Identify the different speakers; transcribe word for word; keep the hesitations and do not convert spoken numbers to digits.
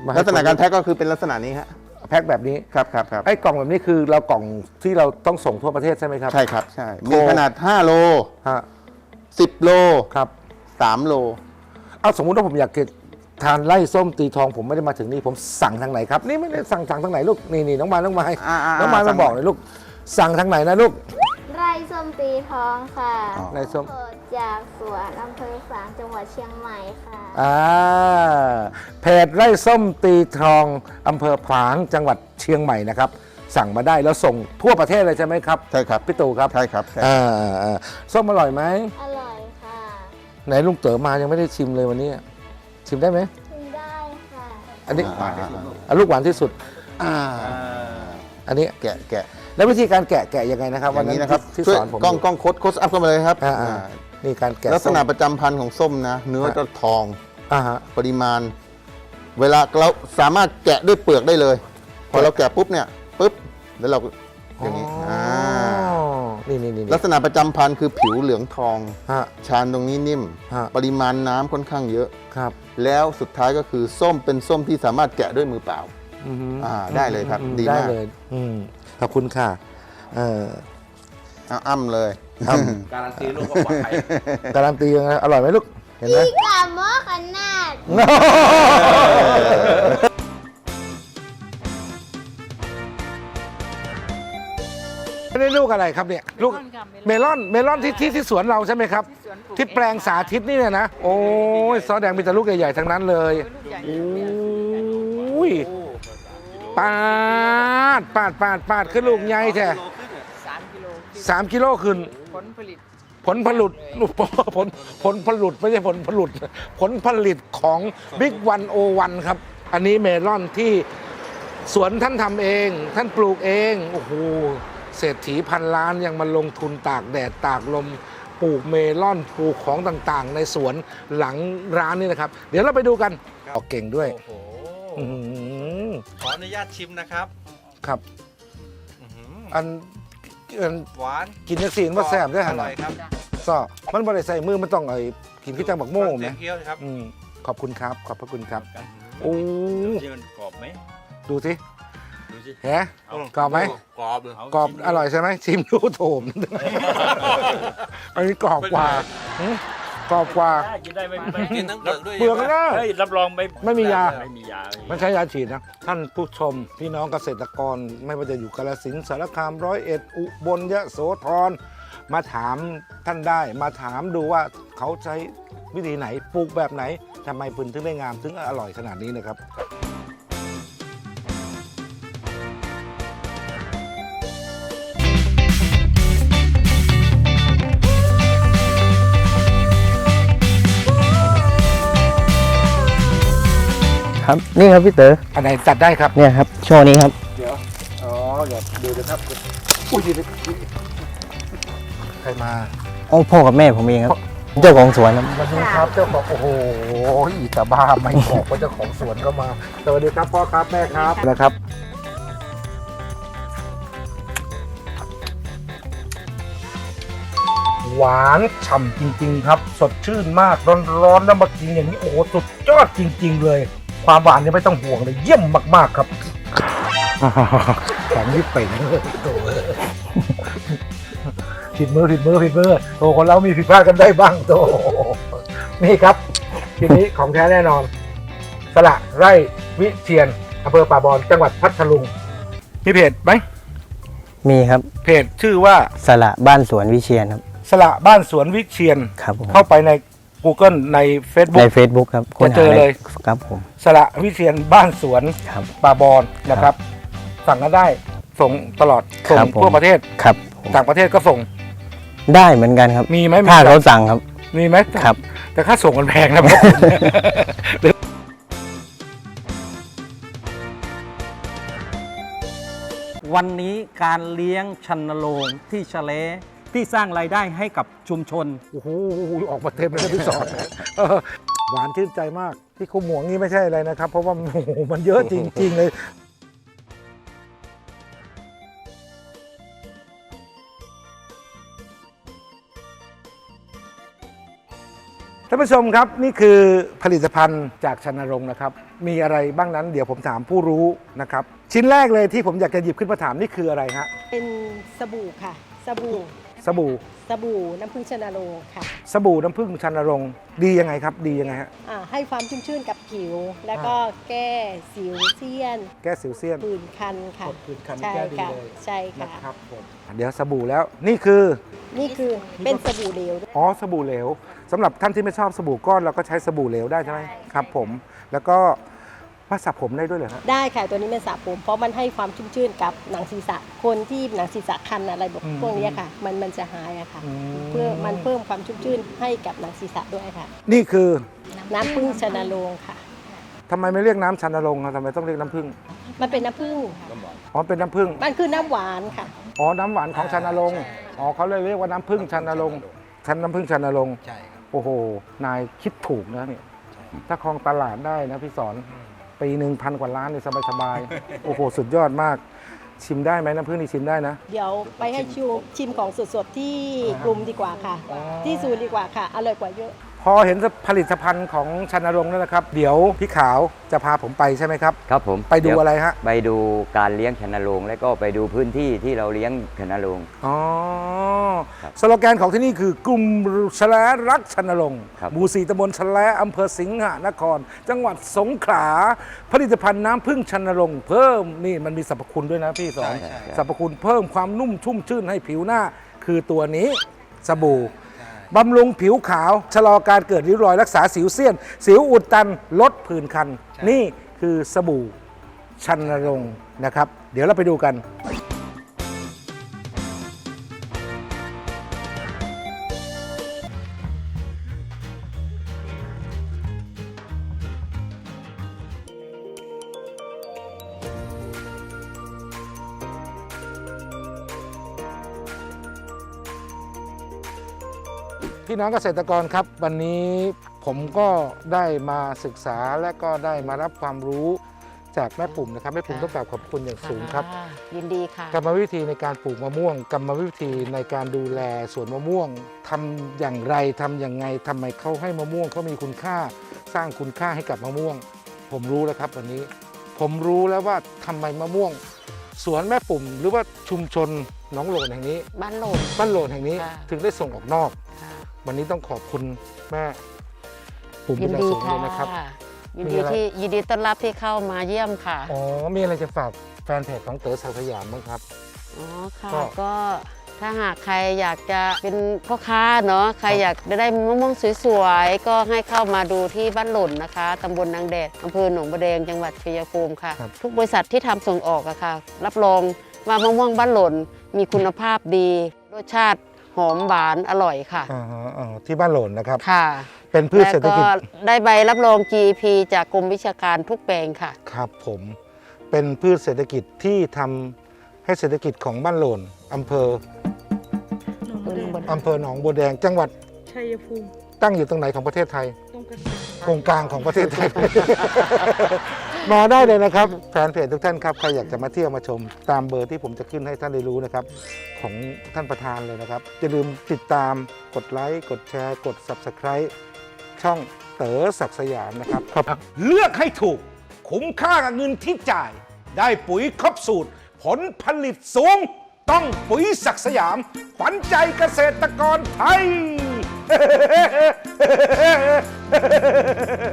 Speaker 1: ลักษณะการแพ็คก็คือเป็นลักษณะนี้ฮะ
Speaker 2: แพ็คแบบนี้
Speaker 1: ครับครับครับ
Speaker 2: ไอ้กล่องแบบนี้คือเรากล่องที่เราต้องส่งทั่วประเทศใช่ไหมครับ
Speaker 1: ใช่ครับใช่มีขนาดห้าโล
Speaker 2: ฮะ
Speaker 1: สิบโล
Speaker 2: ครับ
Speaker 1: สามโล
Speaker 2: เอาสมมุติว่าผมอยากกินทานไล่ส้มตีทองผมไม่ได้มาถึงนี่ผมสั่งทางไหนครับนี่ไม่ได้สั่งสั่งทางไหนลูกนี่นี่น้องมายน้องมายน้องมายมาบอกเลยลูกสั่งทางไหนนะลูก
Speaker 3: ไร่ส้มตีทองค่ะ
Speaker 2: ไร่ส้ม
Speaker 3: จากสวนอำเภอฝางจังหวัดเชียงใหม่ค่ะ
Speaker 2: อ่าเพจไร่ส้มตีทองอำเภอฝางจังหวัดเชียงใหม่นะครับสั่งมาได้แล้วส่งทั่วประเทศเลยใช่ไหมครับ
Speaker 1: ใช่ครับ
Speaker 2: พี่ตู่ครับ
Speaker 1: ใช่ครับ
Speaker 2: อ่าส้มอร่อยไหม
Speaker 3: อร่อยค่ะ
Speaker 2: ไหนลุงเต๋อมายังไม่ได้ชิมเลยวันนี้ชิมได้ไหม
Speaker 3: ชิมได้ค่ะ
Speaker 2: อันนี้อันลูกหวานที่สุดอ่าอันนี้
Speaker 1: แกะแกะ
Speaker 2: แล้ววิธีการแกะแกะยังไงนะครับ
Speaker 1: วันนี้นะครับ
Speaker 2: ที่สอนผม
Speaker 1: กล้องกล้องโคดโคดอัพเข้ามาเลยครับ
Speaker 2: นี่การแกะ
Speaker 1: ลักษณะประจำพันธุ์ของส้มนะเนื้อจะทอง
Speaker 2: อ่าฮะ
Speaker 1: ปริมาณเวลาเราสามารถแกะด้วยเปลือกได้เลยพอเราแกะปุ๊บเนี่ยปุ๊บแล้วเราอย่างนี้อ่า
Speaker 2: นี่นี่นี่
Speaker 1: ลักษณะประจำพันธุ์คือผิวเหลืองทอง
Speaker 2: ฮะ
Speaker 1: ชานตรงนี้นิ่มปริมาณน้ำค่อนข้างเยอะ
Speaker 2: ครับ
Speaker 1: แล้วสุดท้ายก็คือส้มเป็นส้มที่สามารถแกะด้วยมือเปล่าอ่าได้เลยครับดีมาก
Speaker 2: เลยขอบคุณค่ะเออ
Speaker 1: อ้ำเลย
Speaker 4: การันตีลูกว่าปลอดภัย
Speaker 2: การันตียังไงอร่อยไหมลูกเห็นไหม
Speaker 3: พี่กาโมขนาด
Speaker 2: ไม่ได้ลูกอะไรครับเนี่ยลูกเมลอนเมลอนที่ที่ที่สวนเราใช่ไหมครับที่แปลงสาธิตนี่เนี่ยนะโอ้ยซอสแดงมีแต่ลูกใหญ่ๆทั้งนั้นเลยโอ้ยปาดปาดปาดปาดขึ้นลูกใหญ่แท้สามกิโลขึ้นผลผลิตผลผลิตผลผลผลิตไม่ใช่ผลผลิตผลผลิตของบิ๊กวันโอวันครับอันนี้เมลอนที่สวนท่านทำเองท่านปลูกเองโอ้โหเศรษฐีพันล้านยังมาลงทุนตากแดดตากลมปลูกเมลอนปลูกของต่างๆในสวนหลังร้านนี่นะครับเดี๋ยวเราไปดูกันออกเก่งด้วย
Speaker 4: ขออนุญาตชิมนะครับ
Speaker 2: ครับอัน
Speaker 4: หวาน
Speaker 2: กินนักซีนว่าแซ่บได้ขนาด
Speaker 4: ครับ
Speaker 2: ซ้อมันบริใส่มือมันต้องไอ้กินขี้จังบักโม่ไหม
Speaker 4: เคี้ยวครับ
Speaker 2: ขอบคุณครับขอบพระคุณครับโอ้
Speaker 4: มันกรอบไหม
Speaker 2: ดูสิแฮะกรอบไหม
Speaker 4: กรอบ
Speaker 2: กรอบอร่อยใช่ไหมชิมดูโถมอันนี้กรอบกว่ากรอบกว่า
Speaker 4: กินได้ไม่กินทั้งเปลือกด้วย
Speaker 2: เปลือกก็
Speaker 4: รับรองไม่
Speaker 2: ไม่มียา
Speaker 4: ไม่มียา
Speaker 2: ไม่ใช่ยาฉีดนะท่านผู้ชมพี่น้องเกษตรกรไม่ว่าจะอยู่กาฬสินธุ์สารคามร้อยเอ็ดอุบลยโสธรมาถามท่านได้มาถามดูว่าเขาใช้วิธีไหนปลูกแบบไหนทำไมพื้นถึงได้งามถึงอร่อยขนาดนี้นะครับ
Speaker 5: ครับนี่ครับพี่เต๋อ
Speaker 2: อันไหนจัดได้ครับ
Speaker 5: เนี่ยครับช่วงนี้ครับ
Speaker 2: เดี๋ยวอ๋อเดี๋ยวดูนะครับอุ้ยใครมา
Speaker 5: อ๋อพ่อกับแม่ผมเองครับเจ้าของสวนครับ
Speaker 2: สวัสดีครับเจ้าของโอ้โหอีตาบ้าไม่บอกว่าเจ้าของสวนก็มาสวัสดีครับพ่อครับแม่ครับนะครับหวานฉ่ำจริงๆครับสดชื่นมากร้อนๆแล้วมากินอย่างนี้โอ้โหสุดยอดจริงๆเลยความหวานนี่ไม่ต้องห่วงเลยเยี่ยมมากๆครับแข็งยิ่งเป่งเลยโถ่ผิดมือผิดมือผิดมือโตคนเรามีผิดพลาดกันได้บ้างโตนี่ครับทีนี้ของแท้แน่นอนสละไร่วิเชียรอำเภอป่าบอนจังหวัดพัทลุงมีเพจไหม
Speaker 5: มีครับ
Speaker 2: เพจชื่อว่า
Speaker 5: สละบ้านสวนวิเชียรครับ
Speaker 2: สละบ้านสวนวิเชียร
Speaker 5: ครับ
Speaker 2: เข้าไปใน Google ใน Facebook
Speaker 5: ใน Facebook ครับ
Speaker 2: จะเจอเลย
Speaker 5: ครับผม
Speaker 2: สละวิเชียรบ้านสวนป่าบอนนะครับสั่งกันได้ส่งตลอดส่งทั่วประเทศ
Speaker 5: ครับ
Speaker 2: ต่างประเทศก็ส่ง
Speaker 5: ได้เหมือนกันครับ
Speaker 2: มีไหม
Speaker 5: ถ้าเขาสั่งครับ
Speaker 2: มีไหม
Speaker 5: ครับ
Speaker 2: แต่ค่าส่งมันแพงนะ
Speaker 6: วันนี้การเลี้ยงชันโรงที่ชะเลที่สร้างรายได้ให้กับชุมชน
Speaker 2: โอ้โหออกมาเต็มเลยพี่สอนหวานชื่นใจมากที่เขาหมวงนี่ไม่ใช่อะไรนะครับเพราะว่าโอ้โหมันเยอะจริงๆเลยท่านผู้ชมครับนี่คือผลิตภัณฑ์จากชนรงค์นะครับมีอะไรบ้างนั้นเดี๋ยวผมถามผู้รู้นะครับชิ้นแรกเลยที่ผมอยากจะหยิบขึ้นมาถามนี่คืออะไรฮะ
Speaker 7: เป็นสบู่ค่ะ สบู่
Speaker 2: สบู่
Speaker 7: สบู่น้ำผึ้งชนาโรงค่ะ
Speaker 2: สบู่น้ำผึ้งชนรงค์ดียังไงครับดียังไงฮะ
Speaker 7: อ่าให้ความชุ่มชื่นกับผิว แล้วก็แก้สิวเซียน
Speaker 2: แก้สิวเซียน
Speaker 7: ผื่นคันค่ะ
Speaker 2: กดผื่นคัน
Speaker 7: ใช่
Speaker 2: แก้ดี
Speaker 7: ค่ะ
Speaker 2: เลย
Speaker 7: ใช่
Speaker 2: นะ
Speaker 7: ค่ะ
Speaker 2: ครับผมเดี๋ยวสบู่แล้วนี่คือ
Speaker 7: นี่คือเป็นสบู่เหลวด้วย
Speaker 2: อ๋อสบู่เหลวสำหรับท่านที่ไม่ชอบสบู่ก้อนเราก็ใช้สบู่เหลวได้ใช่ไหมครับผมแล้วก็มาสระผมได้ด้วยเหรอฮะ
Speaker 7: ได้ค่ะตัวนี้เป็นสระผมเพราะมันให้ความชุ่มชื่นกับหนังศีรษะคนที่หนังศีรษะคันอะไรแบบ
Speaker 2: อืม
Speaker 7: พวกนี้ค่ะ มันมันจะหายอะค่ะ
Speaker 2: อืม
Speaker 7: เพื่อมันเพิ่มความชุ่มชื่นให้กับหนังศีรษะด้วยค่ะ
Speaker 2: นี่คือ
Speaker 7: น้ำผึ้งชนาโรงค่ะ
Speaker 2: ทำไมไม่เรียกน้ำชันนรงค์อะทำไมต้องเรียกน้ำผึ้ง
Speaker 7: มันเป็นน้ำผึ้ง
Speaker 2: อ๋อเป็นน้ำผึ้ง
Speaker 7: มันคือน้ำหวานค่ะ
Speaker 2: อ๋อน้ำหวานของชันนรงค์อ๋อเขาเลยเรียกว่าน้ำผึ้งชันนรงค์ชันน้ำผึ้งชันนรงค์
Speaker 4: ใช่ครับ
Speaker 2: โอ้โหนายคิดถูกนะเนี่ยถ้าครองตลาดได้นะพี่สอนปีหนึ่งพันกว่าล้านเนี่ยสบายๆ โอ้โห สุดยอดมาก ชิมได้ไหมน้ำผึ้งนี่ชิมได้นะ
Speaker 7: เดี๋ยวไปให้ชิมชิมของสดๆที่กลุ่มดีกว่าค่ะ
Speaker 2: อ๋อ
Speaker 7: ที่ศูนย์ดีกว่าค่ะ อร่อยกว่าเยอะ
Speaker 2: พอเห็นผลิตภัณฑ์ของชันนรงค์แล้วนะครับ เดี๋ยวพี่ขาวจะพาผมไปใช่ไหมครับ
Speaker 8: ครับผม
Speaker 2: ไปดู
Speaker 8: เยว
Speaker 2: อะไรฮะ
Speaker 8: ไปดูการเลี้ยงชนโรงและก็ไปดูพื้นที่ที่เราเลี้ยงชนโรง
Speaker 2: อ๋อ
Speaker 8: ครับ
Speaker 2: สโลแกนของที่นี่คือกลุ่มชแลรักชนรงค์
Speaker 8: ครับ
Speaker 2: หมู่สี่ตำบลชแลอำเภอสิงหนคร จังหวัดสงขลาผลิตภัณฑ์น้ำผึ้งชนรงค์เพิ่มนี่มันมีสรรพคุณด้วยนะพี่สอน
Speaker 8: ใช่ใช่
Speaker 2: สรรพคุณเพิ่มความนุ่มชุ่มชื่นให้ผิวหน้า คือตัวนี้สบู่บำรุงผิวขาว ชะลอการเกิดริ้วรอยรักษาสิวเซียน สิวอุดตันลดผื่นคัน นี่คือสบู่ชันรงค์นะครับ เดี๋ยวเราไปดูกัน พี่น้องเกษตรกรครับ วันนี้ผมก็ได้มาศึกษาและก็ได้มารับความรู้จากแม่ปุ่มนะครับแม่ปุ่มต้องกราบขอบคุณอย่างสูงครับ
Speaker 9: ะยินดีค่ะ
Speaker 2: กรรมวิธีในการปลูกมะม่วง กรรมวิธีในการดูแลสวนมะม่วงทำอย่างไรทำอย่างไงทำไมเขาให้มะม่วงเขามีคุณค่า สร้างคุณค่าให้กับมะม่วง ผมรู้แล้วครับวันนี้ ผมรู้แล้วว่าทำไมมะม่วง สวนแม่ปุ่ม หรือว่าชุมชนหนองโหลนแห่งนี้
Speaker 9: บ้านโหลด
Speaker 2: บ้านโหลนแห่งนี้
Speaker 9: ค่ะ
Speaker 2: ถึงได้ส่งออกนอก
Speaker 9: ค่ะ
Speaker 2: วันนี้ต้องขอบคุณแม่ปุ่ม
Speaker 9: ยิ
Speaker 2: เป็น
Speaker 9: น
Speaker 2: อย่าง
Speaker 9: ดี
Speaker 2: สูงเล
Speaker 9: ค่ะ
Speaker 2: ยนะครับ
Speaker 9: ยิน
Speaker 2: มี
Speaker 9: ดี
Speaker 2: อะไร
Speaker 9: ที่ยินดีต้อนรับที่เข้ามาเยี่ยมค่ะ
Speaker 2: อ๋อ มีอะไรจะฝากแฟนเพจของเต๋อสาวสยามบ้างครับ
Speaker 9: อ๋อค่ะ
Speaker 2: ก็
Speaker 9: ก็ถ้าหากใครอยากจะเป็นพ่อค้าเนาะใครอยากจะได้มะม่วงสวยๆก็ให้เข้ามาดูที่บ้านหล่นนะคะตำบลนางแดดอำเภอหนองบัวแดงจังหวัดชัยภูมิค่ะ
Speaker 2: ครับ
Speaker 9: ทุกบริษัทที่ทำส่งออกอะค่ะ รับรองว่ามะม่วงบ้านหล่นมีคุณภาพดีรสชาติหอมหวานอร่อยค่ะ
Speaker 2: อ่าฮะอ่าที่บ้านโหลนนะครับ
Speaker 9: ค่ะ
Speaker 2: เป็นพืชเศรษฐกิจ
Speaker 9: แล้วก็ได้ใบรับรอง จี พี จากกรมวิชาการทุกแปลงค่ะ
Speaker 2: ครับผม เป็นพืชเศรษฐกิจที่ทำให้เศรษฐกิจของบ้านโหลนอำเภออำเภอหนองบัวแดง จังหวัด
Speaker 7: ชัยภูมิ
Speaker 2: ตั้งอยู่ตรงไหนของประเทศไทย
Speaker 7: ตรงกัน
Speaker 2: ตรงกลางของประเทศไทย มาได้เลยนะครับแฟนเพจทุกท่านครับใครอยากจะมาเที่ยวมาชม ตามเบอร์ที่ผมจะขึ้นให้ท่านได้รู้นะครับ ของท่านประธานเลยนะครับอย่าลืมติดตามกดไลค์กดแชร์กด ซับสไครบ์ ช่องเต๋อศักดิ์สยามนะครับครับ เลือกให้ถูก คุ้มค่ากับเงินที่จ่าย ได้ปุ๋ยครบสูตร ผลผลิตสูง ต้องปุ๋ยศักดิ์สยาม ขวัญใจเกษตรกรไทย